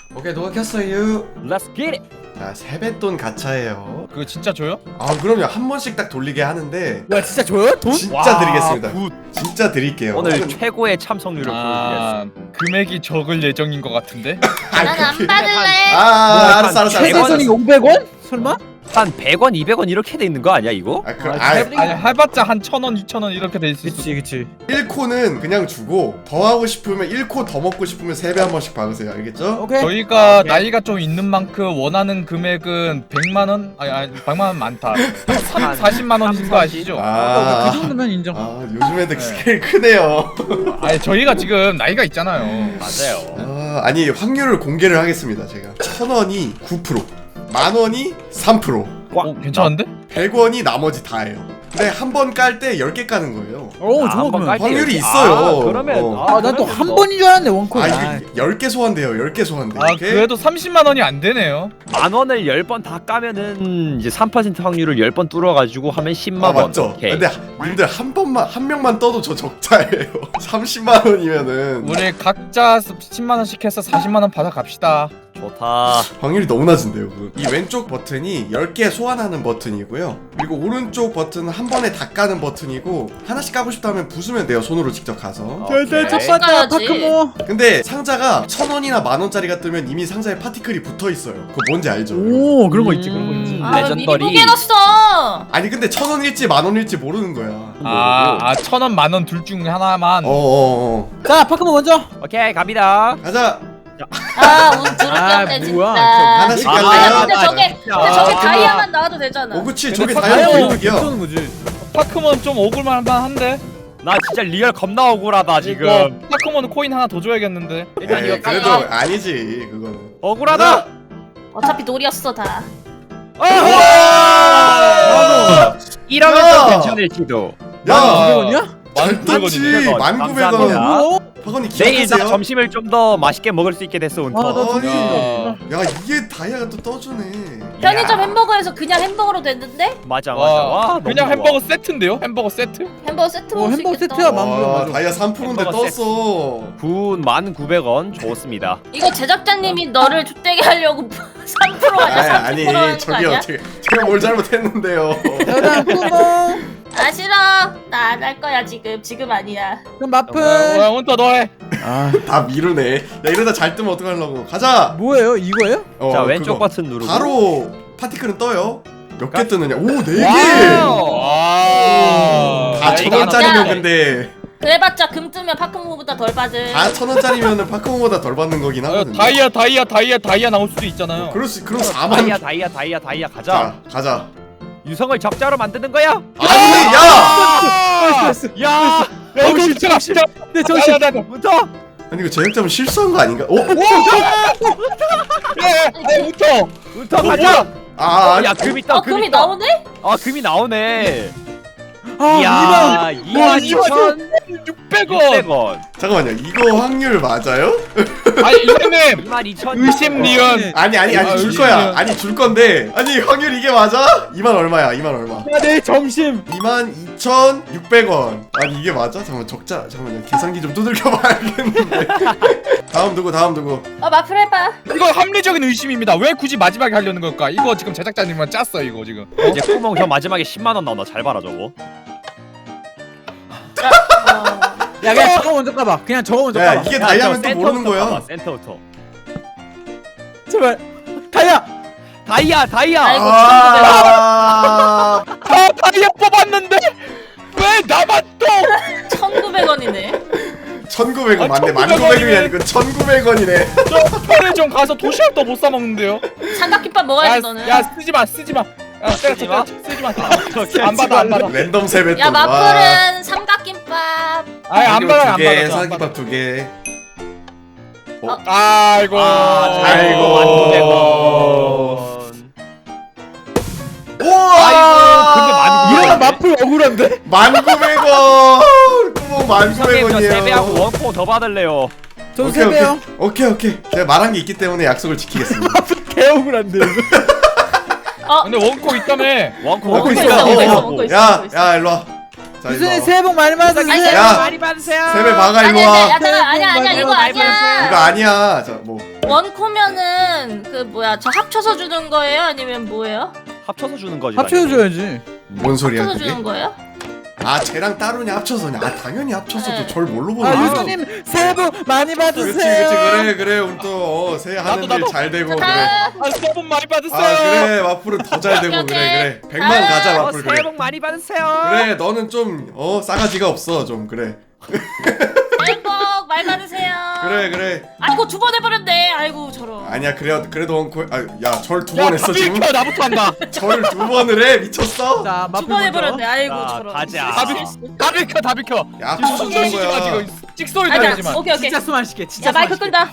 오케이 누가 켰어요? Let's get it. 자 세뱃돈 가차예요. 그거 진짜 줘요? 아 그럼요 한 번씩 딱 돌리게 하는데 와 진짜 줘요? 돈? 진짜 드리겠습니다. 굿. 진짜 드릴게요. 오늘 최고의 참석률을 보여드리겠습니다. 금액이 적을 예정인 것 같은데? 난 안 받을래. 알았어. 최대선이 500원? 설마? 한 100원, 200원 이렇게 돼 있는 거 아니야 이거? 아니 해봤자 한 1,000원, 2,000원 이렇게 돼 있을 수. 그치 1코는 그냥 주고 더 하고 싶으면 1코 더 먹고 싶으면 3배 한 번씩 박으세요. 알겠죠? 오케이 저희가 오케이. 나이가 좀 있는 만큼 원하는 금액은 100만 원? 아니 100만 원 많다. 40만 원인 거 아시죠? 그 정도면 인정. 요즘 애들 스케일 크네요. 아니 저희가 지금 나이가 있잖아요. 맞아요. 아니 확률을 공개를 하겠습니다. 제가 1,000원이 9%, 10,000원이 3%, 괜찮은데? 100원이 나머지 다예요. 근데 한 번 깔 때 10개 까는 거예요. 오 좋아 한번 그러면. 깔 때 확률이 이렇게- 있어요. 그러면 난 또 한 번인 줄 알았네 원콜. 이게 10개 소환돼요. 10개 소환돼. 아 오케이? 그래도 30만 원이 안 되네요. 10,000원을 10번 다 까면은 이제 3% 확률을 10번 뚫어가지고 하면 10만 원. 맞죠? 오케이. 근데 님들 한 명만 떠도 저 적자예요. 30만 원이면은 우리 각자 10만 원씩 해서 40만 원 받아 갑시다. 좋다. 확률이 너무 낮은데요. 이 왼쪽 버튼이 10개 소환하는 버튼이고요. 그리고 오른쪽 버튼은 한 번에 다 까는 버튼이고 하나씩 까고 싶다면 부수면 돼요. 손으로 직접 가서. 절대 오케이. 첫 번째 까야지. 파크모. 근데 상자가 1,000원이나 10,000원짜리가 뜨면 이미 상자에 파티클이 붙어 있어요. 그거 뭔지 알죠? 오 그런 거 있지 그런 거 있지. 아, 미리 레전더리. 보게 해놨어. 아니 근데 1,000원일지 10,000원일지 모르는 거야. 아 1,000원, 10,000원 둘 중 하나만. 자 파크모 먼저. 오케이 갑니다. 가자. 운 두렵게 진짜. 뭐야, 하나씩 아, 갈래요? 근데 저게 다이아만 나와도 되잖아. 그치 근데 저게 다 다이아 다이아 고득이야. 는 거지. 파크몬 좀 억울만 한데. 나 진짜 리얼 겁나 억울하다 지금. 이거 파크몬은 코인 하나 더 줘야겠는데. 일단 이거 그래도 깔까? 아니지 그거는. 억울하다. 어차피 놀이였어 다. 이러면 야! 좀 괜찮을지도. 야! 200원이야? 잘 떴지. 1,900원. 19,000원. 감사합니다. 박언니 내일 나 기억하세요? 점심을 좀 더 맛있게 먹을 수 있게 됐어 운터. 아니, 야. 야 이게 다이아가 또 떠주네. 편의점 햄버거에서 그냥 햄버거로 됐는데 맞아. 와, 너무 그냥 좋아. 햄버거 세트인데요? 햄버거 세트? 햄버거 세트 먹을 수 햄버거 있겠다. 세트야 맘대로 와 맞아. 다이아 3%인데 햄버거 떴어. 9,900원 좋습니다. 이거 제작자님이 너를 족대게 하려고 3% 아니야 30% 아니 하는 거 저기 아니야? 어떻게 제가 뭘 잘못했는데요. 여자 파크모. 아 싫어. 나 안 할 거야 지금 아니야. 그럼 마플. 야 온터 너해. 아 다 미루네. 야 이러다 잘 뜨면 어떡하려고. 가자. 뭐예요 이거예요? 자 왼쪽 그거. 버튼 누르고. 바로 파티클은 떠요. 몇 개 뜨느냐? 오 4개. 와. 다 야, 1,000원짜리면 이거 근데 그래봤자 금 뜨면 파크모보다 덜 받은. 다 1,000원짜리면은 파크몬보다 덜 받는 거긴 하거든요. 다이아 나올 수도 있잖아요. 그럼 4만. 다이아 가자. 자 가자. 유성을 적자로 만드는 거야. 아니 야. 야. 정신 차려. 네 정신. 운터. 아니 이거 제작자분 실수한 거 아닌가? 운터. 운터 가자. 아 야 금이 떠. 금이 나오네? 아 금이 나오네. 아 이야 22,600원. 22,600원. 잠깐만요. 이거 확률 맞아요? 아니 이사님 22,000. 의심 리언. 아니 줄 거야. 아니 줄 건데. 아니 확률 이게 맞아? 2만 얼마야? 2만 얼마? 야 내일 점심. 22,600원. 아니 이게 맞아? 잠깐만 적자. 잠깐만요. 계산기 좀 두들겨 봐야겠는데. 다음 누구? 마플 해봐. 이거 합리적인 의심입니다. 왜 굳이 마지막에 하려는 걸까? 이거 지금 제작자님만 짰어 이거 지금. 이제 구멍 저 마지막에 10만 원 나온다. 잘 봐라 저거. 야 그냥 저거 먼저 까봐. 그냥 저거 먼저 야 까봐. 이게 다이아면 또 모르는 거야. 센터부터. 제발. 다이아. 다이아. 아이고 아. 다이아 뽑았는데 왜 나만 또? 1,900원이네. 1,900원 맞네. 1,900원 19,000원이 아니고 1,900원이네. 저 편의점 가서 도시락도 못 사 먹는데요. 삼각김밥 먹어야지 너는. 야 쓰지 마. 야 쓰지 마. 안 받아. 랜덤 세뱃돈. 야 마플은 삼각김밥. 아니 안 받아. 안 받아. 사기밥 2개. 아이고. 아이고. 19,900원. 우와. 근데 이러면 마플 억울한데? 19,900원. 구멍 선생님 저 3배하고 19,900원이에요. 원코 더 받을래요. 저 세배요. 오케이. 제가 말한 게 있기 때문에 약속을 지키겠습니다. 개 억울한데 이거. 근데 원코 있다며. 원코 먹고 있어, 있어. 먹고 있어, 먹고 있어. 야, 일로 와. 자, 일로 유선이 와. 새해 복 많이 받으세요. 야. 많이 받으세요. 세배 박아 일로 아니야, 와. 야, 잠깐, 아니야, 이거 아니야. 이거 아니야. 자, 뭐 원코면은 그 뭐야 저 합쳐서 주는 거예요? 아니면 뭐예요? 합쳐서 주는 거지. 합쳐줘야지. 뭔 소리야 합쳐서 그게? 주는 거예요? 아 쟤랑 따로냐 합쳐서냐? 아 당연히 합쳐서도 네. 절 뭘로 보나? 아 유수님 새해 복 많이 그렇지 받으세요. 그래 우리 또 새해 하는 나도, 일 나도. 잘 되고 그래. 자, 아, 새해 복 많이 받으세요. 아 그래 마풀은 더 잘 되고 그래 100만 가자 마풀 새해 그래. 복 많이 받으세요. 그래 너는 좀 싸가지가 없어 좀 그래. 새해 복 많이 받으세요. 그래. 아이고 두 번 해버렸네. 아이고 저런. 아니야 그래도 원코 야절 두 번 했어 지금. 비켜, 나부터 한다. 절을 두 번을 해 미쳤어? 자 두 번 해버렸네. 아이고 자, 저런. 가자. 다 비켜. 야 지금 무슨 숨 주는 쉬지 마 거야? 지금. 찍소리 아자. 나지만. 오케이. 진짜 숨 안 쉬게. 진짜 야 마이크 끈다.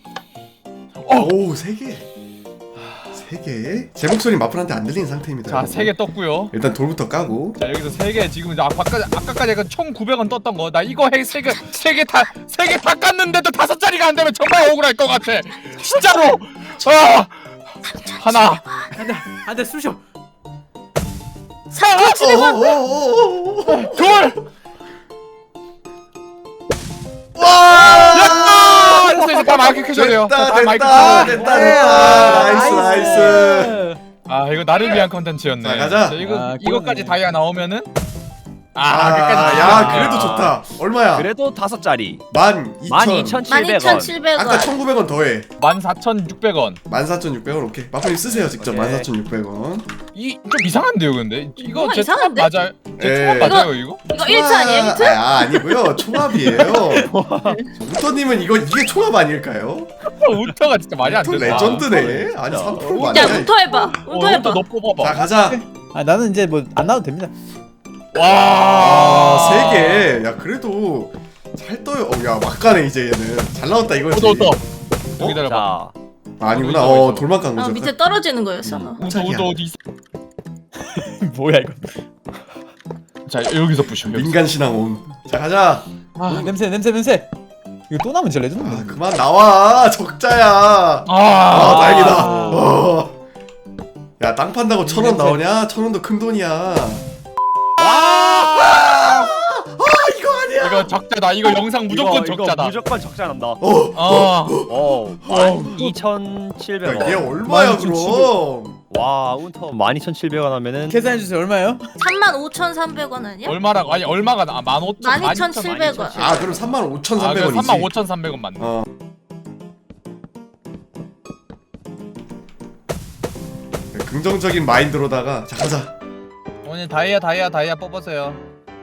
오 3개. 3개. 제 목소리 마풀한테 안 들리는 상태입니다. 자, 3개 떴고요. 일단 돌부터 까고. 자, 여기서 3개 지금 아까까지 약간 총 900원 떴던 거. 나 이거 해 3개 다 깠는데도 5짜리가 안 되면 정말 억울할 것 같아. 진짜로. 하나. 안돼 쑤셔. 사고 치는 건. 둘. 와! 됐어, 이제 다 마이크 켜셔야 돼요. 다 마이크 됐다. 켜셔야 돼요. 나이스. 아, 이거 나를 위한 컨텐츠였네. 자, 가자. 이거까지 다이아 나오면은 야 나오네요. 그래도 좋다. 얼마야? 그래도 5짜리. 12,000. 12,700원. 12,700원. 아까 1,900원 더해. 14,600원. 14,600원 오케이. 마풀님 쓰세요 직접. 오케이. 14,600원. 좀 이상한데요, 근데? 이거 뭐가 제 총합 이상한데? 맞아요? 제 예. 총합 맞아요, 이거? 이거 1차 아니에요 1차? 아니고요. 총합이에요. 우터님은 이게 총합 아닐까요? 우터가 진짜 말이 안 우터 된다. 레전드네. 아니 3% 야 맞네. 운터 해봐. 운터 해봐. 너 뽑아봐. 자 가자. 아 나는 이제 뭐 안 나와도 됩니다. 아 3개. 야 그래도 잘 떠요. 야 막가네 이제 얘는. 잘 나왔다 이거지. 우터. 여기 기다려봐. 자, 아니구나. 어디서? 돌만 깐 거죠. 밑에 떨어지는 거였어. 우터 어디 있어? 뭐야 이거. 자, 여기서 부셔. 여기서. 민간 신앙 온. 자 가자. 아 냄새. 이거 또 나면 진짜 레전드. 아 그만 나와. 적자야. 아 다행이다. 야 땅 판다고 1,000원 나오냐? 1,000원도 큰 돈이야. 이거 아니야. 이거 적자다. 이거 영상 무조건 이거 적자다. 무조건 적자 난다. 12,700원. 야, 얘 얼마야 12,700. 그럼? 와, 운터 12,700원 하면은 계산해 주세요. 얼마예요? 35,300원 아니야? 얼마라고? 아니 얼마가 나? 15,000. 12,700원. 아 그럼 35,300원이지. 아, 그럼 35,300원 맞네. 긍정적인 마인드로다가 자 가자. 오늘 다이아 뽑으세요.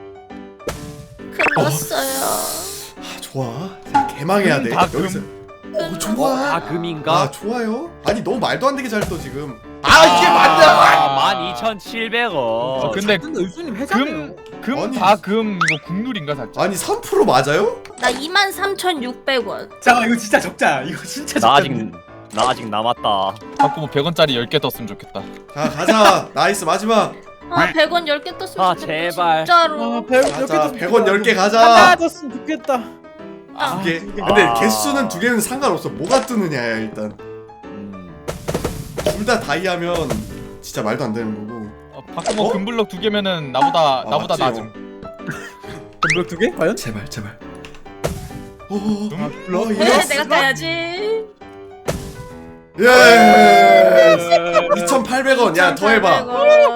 끝났어요. 아 좋아. 자, 개망해야 돼. 다 금. 여기서. 좋아. 다 금인가? 아 좋아요. 아니 너무 말도 안 되게 잘 떠 지금. 이게 맞냐? 12,700원. 근데 의수님 해자네요. 아니. 금 이거 국룰인가 살짝? 아니 3% 맞아요? 나 23,600원. 잠깐 이거 진짜 적자야. 이거 진짜 나 아직 남았다. 자꾸 뭐 100원짜리 10개 떴으면 좋겠다. 자 가자. 나이스 마지막. 100원 10개 떴으면 아, 좋겠다, 제발. 진짜로. 가자. 100원 10개 하나 가자. 떴으면 좋겠다. 두 개. 근데 개수는 두 개는 상관없어. 뭐가 뜨느냐야 일단. 둘 다 다이아면 진짜 말도 안 되는 거고. 바꾸고 금블럭 2개면은 나보다 맞지, 낮음. 블록 2개? 과연? 제발. 블록? 네, 내가 따야지. 예. 2,800원. 야 더 해봐.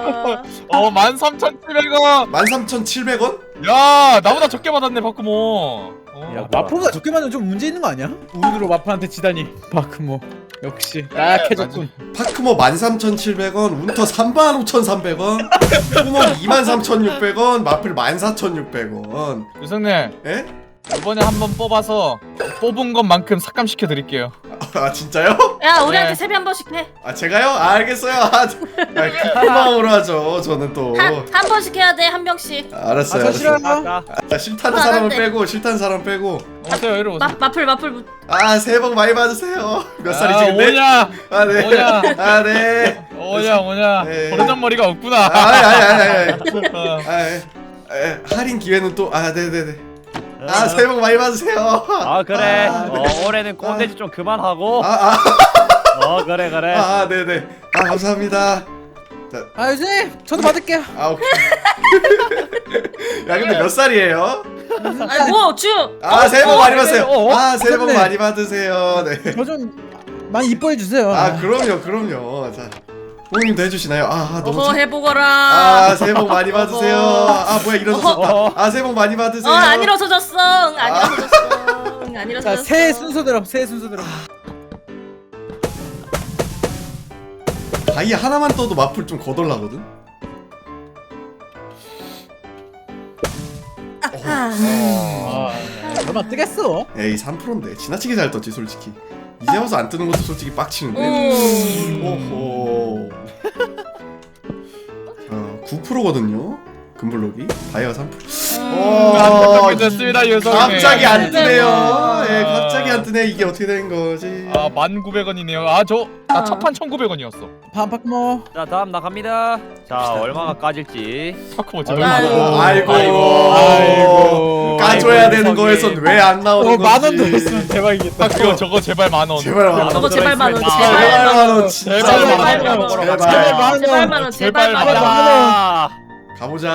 13,700원. 13,700원? 야, 나보다 적게 받았네 바꾸모. 야, 마포보다 적게 맞으면 좀 문제 있는 거 아니야? 운으로 마포한테 지다니. 바크모 역시 약해졌군. 파크모 13,700원, 운터 35,300원, 구멍 23,600원, 마플 14,600원. 유성님, 예? 이번에 한번 뽑아서 뽑은 것만큼 삭감시켜 드릴게요. 아 진짜요? 야, 우리한테 네. 세배 한 번씩 해. 아 제가요? 알겠어요. 큰 마음으로 하죠. 저는 또. 한 번씩 해야 돼, 한 명씩. 알았어요. 저 알았어요. 싫어요. 자 싫다는 안 사람은 돼. 빼고 싫다는 사람 빼고. 오세요, 이리 오세요. 마플. 새해 복 많이 받으세요. 몇 살이지 근데? 오냐, 아 네. 오냐. 아 네. 오냐. 네. 버르장머리가 없구나. 아니. 어. 할인 기회는 또 네네네. 새해 복 많이 받으세요. 아, 그래. 아, 네. 올해는 꼰대지 좀 그만하고. 그래. 네네. 감사합니다. 아 유수님 저도 받을게요. 오케이. 야 근데 몇 살이에요? 아니, 뭐, 주. 새해 복 많이 받으세요. 어? 새해 복 맞네. 많이 받으세요. 네. 저 좀 많이 이뻐해 주세요. 아 그럼요. 자 부모님도 해주시나요? 너무 어머 해보거라. 새해 복 많이 받으세요. 뭐야 일어섰다. 새해 복 많이 받으세요. 안 일어서졌어. 안 일어서졌어. 안 자, 일어서졌어. 새해 순서대로, 새해 순서대로. 다이 하나만 떠도 마플 좀 거덜나거든. 얼마 뜨겠어? 에이 3%인데 지나치게 잘 떴지 솔직히. 이제 와서 안 뜨는 것도 솔직히 빡치는데. 오호. 자 9%거든요. 금블록이 다이아 3%. 안타깝게 됐습니다 유성님. 갑자기 안 뜨네요. 아. 갑자기 안 뜨네. 이게 어떻게 된 거지? 1900원이네요. 나 첫판 1900원이었어. 파크모. 자 다음 나갑니다. 자 얼마나 까질지. 파크모 아이고. 까줘야 되는 거에선 왜 안 나오는 거지? 만원 더 있으면 대박이겠다. 파크모 저거 제발 만원. 제발 만 원. 저거 제발 만 원. 제발 제발 만 원. 원. 진짜 제발 제발 만 만 원. 원. 제발 제발. 만 원. 제발 만 원. 제발 만 원. 자 가보자.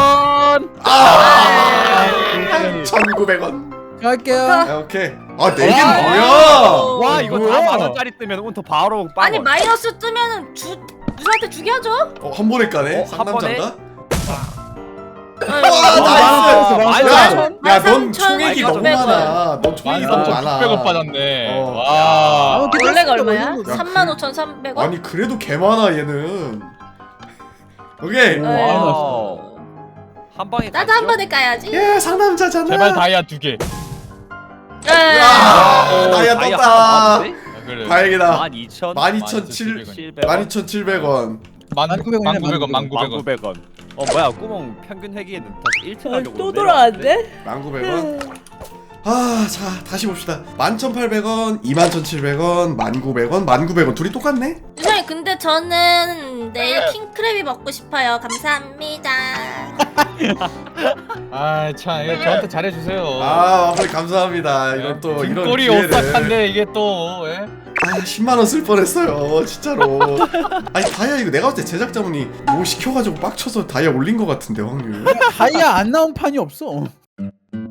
1000원. 1,900원. 갈게요. 오케이. 네 개 와. 뭐야? 와 이거 뭐야? 다 만원짜리 뜨면 운터 바로 빵. 아니 마이너스 뜨면은 누구한테 주게 하죠? 한 번에 까네. 한 번에? 상남자인가? 나이스. 야, 넌 13,600원. 총액이 너무 많아. 넌 총액이 너무 많아. 600원 빠졌네. 어. 와. 원래가 얼마야? 야, 35,300원? 아니 그래도 개 많아 얘는. 오케이. 와우. 한 방에 나도 한 번에 까야지. 예, 상남자잖아. 제발 다이아 2개. 다이아 떴다. 그래. 다행이다. 12,700원. 12,700원. 1900원. 뭐야 구멍 평균 회기에는 다시 1등 하려고 또 돌아왔네? 19,000원. 자, 다시 봅시다. 11,800원, 21,700원, 19,000원, 19,000원. 둘이 똑같네? 유성이 근데 저는 내일 킹크랩이 먹고 싶어요. 감사합니다. 참 이거 저한테 잘해주세요. 마블 감사합니다. 이런 또 이런 등골이 기회를. 오싹한데 이게 또. 10만 원 쓸 뻔했어요, 진짜로. 아니 다이아 이거 내가 봤을 때 제작자분이 뭐 시켜가지고 빡쳐서 다이아 올린 것 같은데 확률. 다이아 안 나온 판이 없어.